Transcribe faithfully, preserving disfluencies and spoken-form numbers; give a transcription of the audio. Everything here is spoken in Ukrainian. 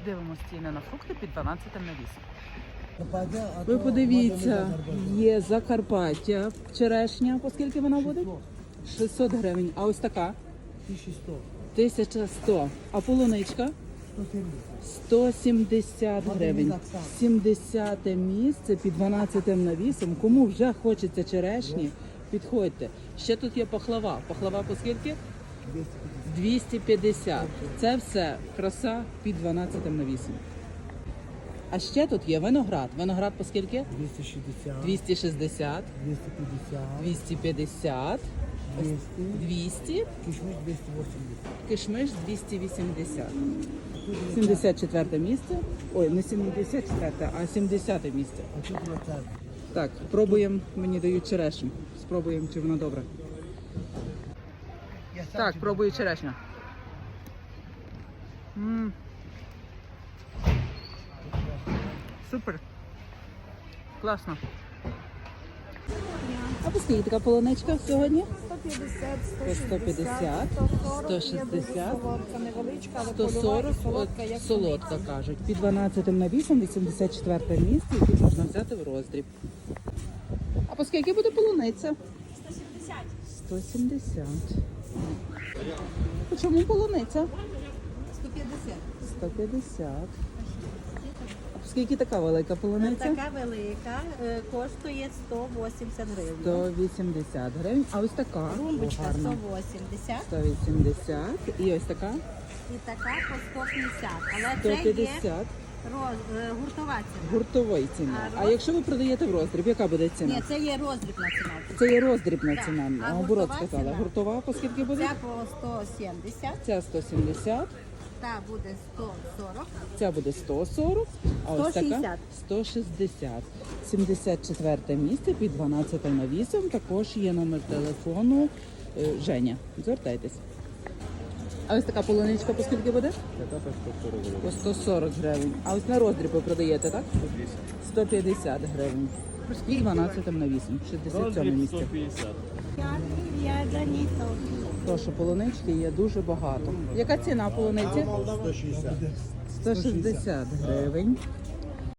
Дивимося ціни на фрукти під дванадцятим навісом. Ви подивіться, є Закарпаття, черешня, по скільки вона буде? шістсот гривень. А ось така? тисяча сто. А полуничка? сто сімдесят гривень. сімдесяте місце під дванадцятим навісом. Кому вже хочеться черешні, підходьте. Ще тут є пахлава. Пахлава по скільки? двісті п'ятдесят. Це все краса під дванадцятим навісом. А ще тут є виноград. Виноград по скільки? двісті шістдесят, двісті шістдесят, двісті п'ятдесят, двісті п'ятдесят, двісті, двісті, кишмиш двісті вісімдесят. кишмиш двісті вісімдесят. сімдесят четверте місце. Ой, не сімдесят четверте, а сімдесяте місце. А тут двадцять. Так, пробуємо, мені дають черешню. Спробуємо, чи вона добра. Так, пробую черешню. М. Супер. Класно. А по скільки така полуничка сьогодні? сто п'ятдесят, По сто п'ятдесят, сто шістдесят, солодка невеличка, але сто польова сорок, і солодка, як солодка кажуть. Під дванадцятим навісом, вісімдесят четверте місце, які можна взяти в роздріб. А по скільки буде полуниця? сто сімдесят. сто сімдесят. По чому полуниця? сто п'ятдесят. сто п'ятдесят. А по скільки така велика полуниця? Така велика, е, коштує сто вісімдесят гривень. сто вісімдесят гривень. А ось така Румбочка гарна. сто вісімдесят сто вісімдесят. І ось така і така по сто п'ятдесят. Але сто це є п'ятдесят. роз, е, гуртова ціна. Гуртової ціни. А А роз- якщо ви продаєте в роздріб, яка буде ціна? Ні, це є роздрібна ціна. Це є роздрібна Так. ціна. А Наоборот гуртова сказала. ціна? Гуртова по скільки буде? Ця по сто сімдесят, Ця сто сімдесят, та буде сто сорок. ця буде сто сорок, а ось сто така шістдесят. сто шістдесят. сімдесят четверте місце під дванадцятим навісом. Також є номер телефону е, Женя. Звертайтесь. А ось така полуничка по скільки буде? По сто сорок гривень. А ось на роздріб ви продаєте, так? сто п'ятдесят гривень. Під дванадцятим навісом. шістдесят сьоме місце. Прошу, полунички є дуже багато. Яка ціна полуниці? сто шістдесят. сто шістдесят гривень.